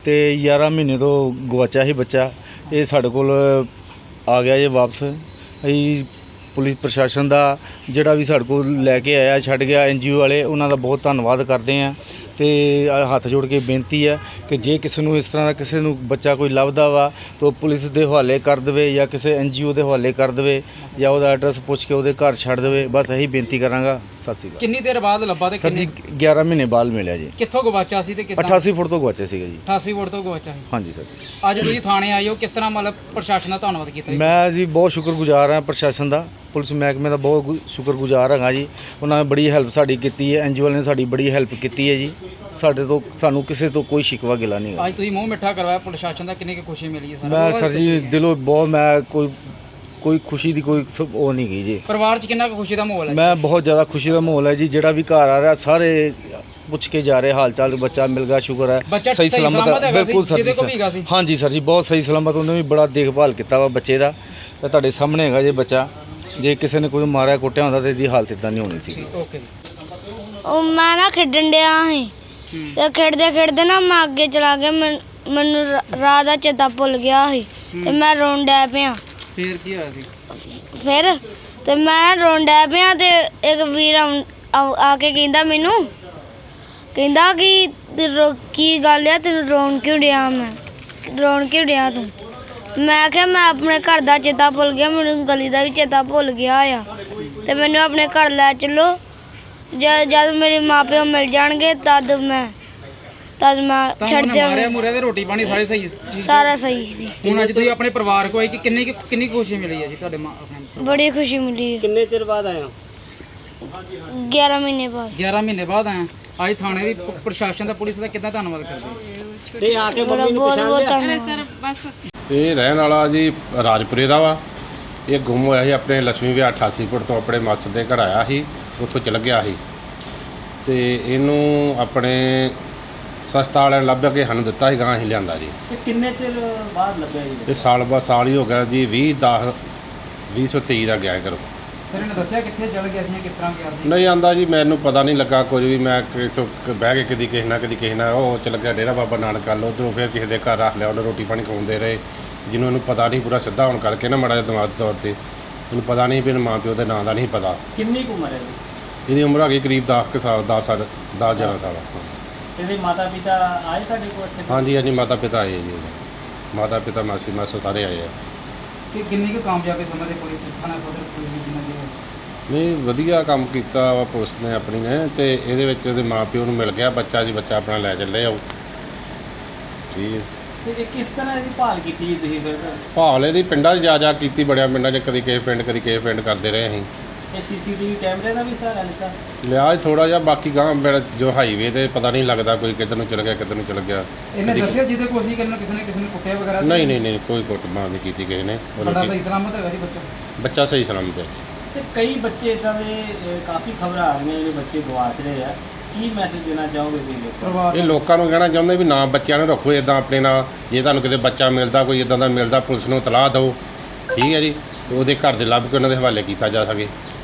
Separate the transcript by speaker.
Speaker 1: ਤੇ 11 ਮਹੀਨੇ ਤੋਂ ਗਵਾਚਿਆ ਸੀ ਬੱਚਾ। ਇਹ ਸਾਡੇ ਕੋਲ ਆ ਗਿਆ ਜੇ ਵਾਪਸ। ਅਸੀਂ ਪੁਲਿਸ ਪ੍ਰਸ਼ਾਸਨ ਦਾ ਜਿਹੜਾ ਵੀ ਸਾਡੇ ਕੋਲ ਲੈ ਕੇ ਆਇਆ ਛੱਡ ਗਿਆ, NGO ਵਾਲੇ, ਉਹਨਾਂ ਦਾ ਬਹੁਤ ਧੰਨਵਾਦ ਕਰਦੇ ਹਾਂ। ਤੇ ਹੱਥ ਜੋੜ ਕੇ ਬੇਨਤੀ ਹੈ ਕਿ ਜੇ ਕਿਸੇ ਨੂੰ ਇਸ ਤਰ੍ਹਾਂ ਦਾ ਕਿਸੇ ਨੂੰ ਬੱਚਾ ਕੋਈ ਲੱਭਦਾ ਵਾ ਤਾਂ ਉਹ ਪੁਲਿਸ ਦੇ ਹਵਾਲੇ ਕਰ ਦੇਵੇ ਜਾਂ ਕਿਸੇ NGO ਦੇ ਹਵਾਲੇ ਕਰ ਦੇਵੇ ਜਾਂ ਉਹਦਾ ਐਡਰੈਸ ਪੁੱਛ ਕੇ ਉਹਦੇ ਘਰ ਛੱਡ ਦੇਵੇ। ਬਸ ਇਹੀ ਬੇਨਤੀ ਕਰਾਂਗਾ। ਸਤਿ ਸ਼੍ਰੀ ਅਕਾਲ।
Speaker 2: ਕਿੰਨੀ ਦੇਰ ਬਾਅਦ ਲੱਭਾ ਤੇ
Speaker 1: ਸਰ ਜੀ 11 ਮਹੀਨੇ ਬਾਅਦ ਮਿਲਿਆ ਜੀ।
Speaker 2: ਕਿੱਥੋਂ ਗਵਾਚਾ ਸੀ ਤੇ ਕਿੱਦਾਂ?
Speaker 1: 88 ਫੁੱਟ ਤੋਂ ਗਵਾਚਿਆ ਸੀਗਾ ਜੀ।
Speaker 2: 88 ਫੁੱਟ ਤੋਂ ਗਵਾਚਾ ਸੀ।
Speaker 1: ਹਾਂਜੀ ਸਰ ਜੀ।
Speaker 2: ਅੱਜ ਤੁਸੀਂ ਥਾਣੇ ਆਏ ਹੋ, ਕਿਸ ਤਰ੍ਹਾਂ ਮਤਲਬ ਪ੍ਰਸ਼ਾਸਨ ਦਾ ਧੰਨਵਾਦ ਕੀਤਾ ਜੀ?
Speaker 1: ਮੈਂ ਜੀ ਬਹੁਤ ਸ਼ੁਕਰਗੁਜ਼ਾਰ ਹਾਂ ਪ੍ਰਸ਼ਾਸਨ ਦਾ, ਪੁਲਿਸ ਮਹਿਕਮੇ ਦਾ ਬਹੁਤ ਸ਼ੁਕਰਗੁਜ਼ਾਰ ਹੈਗਾ ਜੀ। ਉਹਨਾਂ ਨੇ ਬੜੀ ਹੈਲਪ ਸਾਡੀ ਕੀਤੀ ਹੈ, NGO ਵਾਲਿਆਂ ਨੇ ਸਾਡੀ ਬੜੀ ਹੈਲਪ ਕੀਤੀ ਹੈ ਜੀ। ਸਾਨੂੰ ਕਿਸੇ ਤੋਂ ਕੋਈ ਸ਼ਿਕਵਾ ਗਿਲਾ ਨਹੀਂ ਹੈ।
Speaker 2: ਅੱਜ ਤੁਸੀਂ ਮੂੰਹ ਮਿੱਠਾ ਕਰਵਾਇਆ ਪ੍ਰਸ਼ਾਸਨ ਦਾ, ਕਿੰਨੀ ਕੁ ਖੁਸ਼ੀ ਮਿਲੀ ਹੈ?
Speaker 1: ਮੈਂ ਸਰ ਜੀ ਦਿਲੋਂ ਬਹੁਤ, ਮੈਂ ਕੋਈ ਖੁਸ਼ੀ ਦੀ ਕੋਈ ਉਹ ਨਹੀਂ ਗਈ ਜੀ।
Speaker 2: ਪਰਿਵਾਰ 'ਚ ਕਿੰਨਾ ਕੁ ਖੁਸ਼ੀ ਦਾ ਮਾਹੌਲ ਹੈ?
Speaker 1: ਮੈਂ ਬਹੁਤ ਜ਼ਿਆਦਾ ਖੁਸ਼ੀ ਦਾ ਮਾਹੌਲ ਹੈ ਜੀ। ਜਿਹੜਾ ਵੀ ਘਰ ਆ ਰਿਹਾ ਸਾਰੇ ਪੁੱਛ ਕੇ ਜਾ ਰਹੇ ਹਾਲ ਚਾਲ, ਬੱਚਾ ਮਿਲ ਗਿਆ, ਸ਼ੁਕਰ ਹੈ।
Speaker 2: ਬੱਚਾ
Speaker 1: ਸਹੀ ਸਲਾਮਤ ਹੈ ਬਿਲਕੁਲ ਸਰ
Speaker 2: ਜਿਹਦੇ ਕੋਲ ਵੀ ਹੈਗਾ ਸੀ?
Speaker 1: ਹਾਂਜੀ ਸਰ ਜੀ, ਬਹੁਤ ਸਹੀ ਸਲਾਮਤ। ਉਹਨੇ ਵੀ ਬੜਾ ਦੇਖਭਾਲ ਕੀਤਾ ਵਾ ਬੱਚੇ ਦਾ। ਤੇ ਤੁਹਾਡੇ ਸਾਹਮਣੇ ਹੈਗਾ ਜੇ ਬੱਚਾ। ਜੇ ਕਿਸੇ ਨੇ ਕੋਈ ਮਾਰਿਆ ਕੁੱਟਿਆ ਹੁੰਦਾ ਤਾਂ ਇਹਦੀ ਹਾਲਤ ਇਦਾਂ ਨਹੀਂ ਹੋਣੀ ਸੀ।
Speaker 2: ਓਕੇ।
Speaker 3: ਉਹ ਮੈਂ ਨਾ ਖੇਡਣ ਡਿਆ ਸੀ ਤੇ ਖੇਡਦੇ ਨਾ ਮੈਂ ਅੱਗੇ ਚਲਾ ਗਿਆ। ਮੈਨੂੰ ਰਾਹ ਦਾ ਚੇਤਾ ਭੁੱਲ ਗਿਆ ਸੀ ਤੇ ਮੈਂ ਰੋਣ ਡੈ ਪਿਆ।
Speaker 2: ਫੇਰ ਕੀ ਹੋਇਆ ਸੀ?
Speaker 3: ਫਿਰ ਤੇ ਮੈਂ ਰੋਣ ਡੈ ਪਿਆ ਤੇ ਇੱਕ ਵੀਰ ਆ ਕੇ ਕਹਿੰਦਾ ਮੈਨੂੰ, ਕਹਿੰਦਾ ਕਿ ਕੀ ਗੱਲ ਆ, ਤੈਨੂੰ ਰੋਣ ਕਿਉਂ ਡਿਆ? ਮੈਂ ਰੋਣ ਕਿਉਂ ਡਿਆ ਤੂੰ? ਮੈਂ ਕਿਹਾ ਮੈਂ ਆਪਣੇ ਘਰ ਦਾ ਚੇਤਾ ਭੁੱਲ ਗਿਆ, ਮੈਨੂੰ ਗਲੀ ਦਾ ਵੀ ਚੇਤਾ ਭੁੱਲ ਗਿਆ ਆ ਤੇ ਮੈਨੂੰ ਆਪਣੇ ਘਰ ਲੈ ਚੱਲੋ। ਜਦ ਮੇਰੇ ਮਾਪਿਓ ਮਿਲ ਜਾਣਗੇ ਤਦ ਮੈਂ ਛੱਡ
Speaker 2: ਮਾਰਿਆ ਮੁਰਿਆ ਤੇ ਰੋਟੀ ਪਾਣੀ ਸਾਰੇ ਸਹੀ ਸੀ?
Speaker 3: ਸਾਰਾ ਸਹੀ ਸੀ।
Speaker 2: ਹੁਣ ਅੱਜ ਤੁਸੀਂ ਆਪਣੇ ਪਰਿਵਾਰ ਕੋਲ ਆਏ ਕਿ ਕਿੰਨੀ ਖੁਸ਼ੀ ਮਿਲੀ ਹੈ ਜੀ ਤੁਹਾਡੇ ਆਪਣੇ?
Speaker 3: ਬੜੀ ਖੁਸ਼ੀ ਮਿਲੀ।
Speaker 2: ਕਿੰਨੇ ਚਿਰ ਬਾਅਦ ਆਏ ਹੋ?
Speaker 3: 11 ਮਹੀਨੇ ਬਾਅਦ।
Speaker 2: 11 ਮਹੀਨੇ ਬਾਅਦ ਆਏ। ਅੱਜ ਥਾਣੇ ਦੀ ਪ੍ਰਸ਼ਾਸਨ ਦਾ, ਪੁਲਿਸ ਦਾ ਕਿੱਦਾਂ ਧੰਨਵਾਦ ਕਰਦੇ ਹੋ?
Speaker 4: ਤੇ ਆ ਕੇ ਮੰਮੀ ਨੂੰ ਪਛਾਣ ਲਿਆ?
Speaker 5: ਇਹ ਰਹਿਣ ਵਾਲਾ ਜੀ ਰਾਜਪੁਰੇ ਦਾ ਵਾ। ਇਹ ਗੁੰਮ ਹੋਇਆ ਸੀ ਆਪਣੇ ਲక్ష్ਮੀ ਵਿਆਹ 88 ਫੁੱਟ ਤੋਂ ਆਪਣੇ ਮੱਸ ਦੇ ਘਰ ਆਇਆ ਸੀ, ਉੱਥੋਂ ਚਲ ਗਿਆ ਸੀ ਤੇ ਇਹਨੂੰ ਆਪਣੇ ਸਸਤਾ ਵਾਲਿਆਂ ਨੇ ਲੱਭ ਕੇ ਸਾਨੂੰ ਦਿੱਤਾ ਸੀ, ਗਾਂ ਅਸੀਂ ਲਿਆਂਦਾ ਜੀ।
Speaker 4: ਕਿੰਨੇ ਚਿਰ ਬਾਅਦ ਲੱਭਿਆ ਜੀ?
Speaker 5: ਇਹ ਸਾਲ ਹੀ ਹੋ ਗਿਆ ਜੀ। 2023 ਦਾ ਗਿਆ ਘਰੋਂ।
Speaker 2: ਸਰ ਨੇ ਦੱਸਿਆ ਕਿੱਥੇ ਚਲ ਗਿਆ ਸੀ, ਕਿਸ ਤਰ੍ਹਾਂ ਗਿਆ ਸੀ?
Speaker 5: ਨਹੀਂ ਆਂਦਾ ਜੀ, ਮੈਨੂੰ ਪਤਾ ਨਹੀਂ ਲੱਗਾ ਕੁਝ ਵੀ। ਮੈਂ ਇੱਥੋਂ ਬਹਿ ਕੇ ਕਦੀ ਕਿਸੇ ਨਾਲ ਉਹ ਚਲ ਗਿਆ ਡੇਰਾ ਬਾਬਾ ਨਾਨਕ ਵੱਲ, ਉੱਧਰੋਂ ਫਿਰ ਕਿਸੇ ਦੇ ਘਰ ਰੱਖ ਲਿਆ। ਉਹਨੇ ਰੋਟੀ ਪਾਣੀ ਖਵਾਉਂਦੇ ਰਹੇ, ਜਿਹਨੂੰ ਇਹਨੂੰ ਪਤਾ ਨਹੀਂ ਪੂਰਾ ਸਿੱਧਾ ਹੋਣ ਕਰਕੇ ਨਾ ਮਾੜਾ ਜਿਹਾ ਦਿਮਾਗੀ ਤੌਰ 'ਤੇ ਇਹਨੂੰ ਪਤਾ ਨਹੀਂ ਵੀ ਮਾਂ ਪਿਓ ਦੇ ਨਾਂ ਦਾ ਨਹੀਂ ਪਤਾ।
Speaker 4: ਕਿੰਨੀ ਕੁ ਉਮਰ ਹੈ ਜੀ?
Speaker 5: ਇਹਦੀ ਉਮਰ ਹੈਗੀ ਕਰੀਬ 10 ਸਾਲ 11 ਸਾਲ।
Speaker 4: ਇਹਦੇ ਮਾਤਾ ਪਿਤਾ ਆਏ ਤੁਹਾਡੇ ਕੋਲ ਇੱਥੇ?
Speaker 5: ਹਾਂਜੀ ਮਾਤਾ ਪਿਤਾ ਆਏ ਜੀ। ਮਾਤਾ ਪਿਤਾ ਮਾਸੀ ਮਾਸਾ ਸਾਰੇ ਆਏ ਆ।
Speaker 2: ਕਿ ਕਿੰਨੀ ਕੁ ਕਾਮਯਾਬੀ ਸਮਝਦੇ ਪੁਲਿਸ ਥਾਣਾ ਸਦਰ ਪੁਲਿਸ ਦੀ ਜਿੰਨਾ ਦੇ?
Speaker 5: ਨਹੀਂ ਵਧੀਆ ਕੰਮ ਕੀਤਾ ਵਾ ਪੁਲਿਸ ਨੇ ਆਪਣੀ ਨੇ। ਤੇ ਇਹਦੇ ਵਿੱਚ ਉਹਦੇ ਮਾਂ ਪਿਓ ਨੂੰ ਮਿਲ ਗਿਆ ਬੱਚਾ ਜੀ, ਬੱਚਾ ਆਪਣਾ ਲੈ ਚੱਲੇ ਆਓ। ਠੀਕ ਹੈ।
Speaker 4: ਤੇ ਕਿਸ ਤਰ੍ਹਾਂ ਇਹਦੀ ਭਾਲ ਕੀਤੀ ਜੀ ਤੁਸੀਂ ਫਿਰ?
Speaker 5: ਭਾਲ ਇਹਦੀ ਪਿੰਡਾਂ 'ਚ ਜਾ ਕੀਤੀ, ਬੜਿਆ ਪਿੰਡਾਂ 'ਚ, ਕਦੀ ਕਿਸੇ ਪਿੰਡ ਕਰਦੇ ਰਹੇ ਅਸੀਂ।
Speaker 4: ਇਹ CCTV ਕੈਮਰੇ ਦਾ ਵੀ ਸਹਾਰਾ ਲਿੱਤਾ?
Speaker 5: ਲਿਆ ਥੋੜਾ ਜਿਹਾ, ਬਾਕੀ ਗਾਂ ਜੋ ਹਾਈਵੇ ਤੇ ਪਤਾ ਨਹੀਂ ਲੱਗਦਾ ਕੋਈ ਕਿੱਧਰ ਨੂੰ ਚਲ ਗਿਆ ਕਿੱਧਰ ਨੂੰ ਚਲ ਗਿਆ।
Speaker 2: ਇਹਨੇ ਦੱਸਿਆ ਜਿਹਦੇ ਕੋਲ ਅਸੀਂ ਕਿਸੇ ਨੇ ਕੁੱਟਿਆ ਵਗੈਰਾ?
Speaker 5: ਨਹੀਂ ਕੋਈ ਕੁੱਟਮਾਰ ਨਹੀਂ ਕੀਤੀ ਕਿਸੇ ਨੇ।
Speaker 2: ਬੜਾ ਸਹੀ ਸਲਾਮਤ ਹੈਗਾ ਜੀ
Speaker 5: ਬੱਚਾ ਸਹੀ ਸਲਾਮਤ ਹੈ।
Speaker 4: ਤੇ ਕਈ ਬੱਚੇ ਇਦਾਂ ਦੇ ਕਾਫੀ ਖਬਰਾਂ ਆ ਰਹੀਆਂ ਜਿਹੜੇ ਬੱਚੇ ਗਵਾਚ ਰਹੇ ਆ, ਕੀ ਮੈਸੇਜ ਦੇਣਾ ਚਾਹੋਗੇ ਤੁਸੀਂ?
Speaker 5: ਇਹ ਲੋਕਾਂ ਨੂੰ ਕਹਿਣਾ ਚਾਹੁੰਦੇ ਵੀ ਨਾ ਬੱਚਿਆਂ ਨੂੰ ਰੱਖੋ ਇਦਾਂ ਆਪਣੇ ਨਾਲ। ਜੇ ਤੁਹਾਨੂੰ ਕਿਤੇ ਬੱਚਾ ਮਿਲਦਾ, ਕੋਈ ਇਦਾਂ ਦਾ ਮਿਲਦਾ, ਪੁਲਿਸ ਨੂੰ ਇਤਲਾਹ ਦਿਓ। ਠੀਕ ਹੈ ਜੀ, ਉਹਦੇ ਘਰ ਦੇ ਲੱਭ ਕੇ ਉਹਨਾਂ ਦੇ ਹਵਾਲੇ ਕੀਤਾ ਜਾ ਸਕੇ।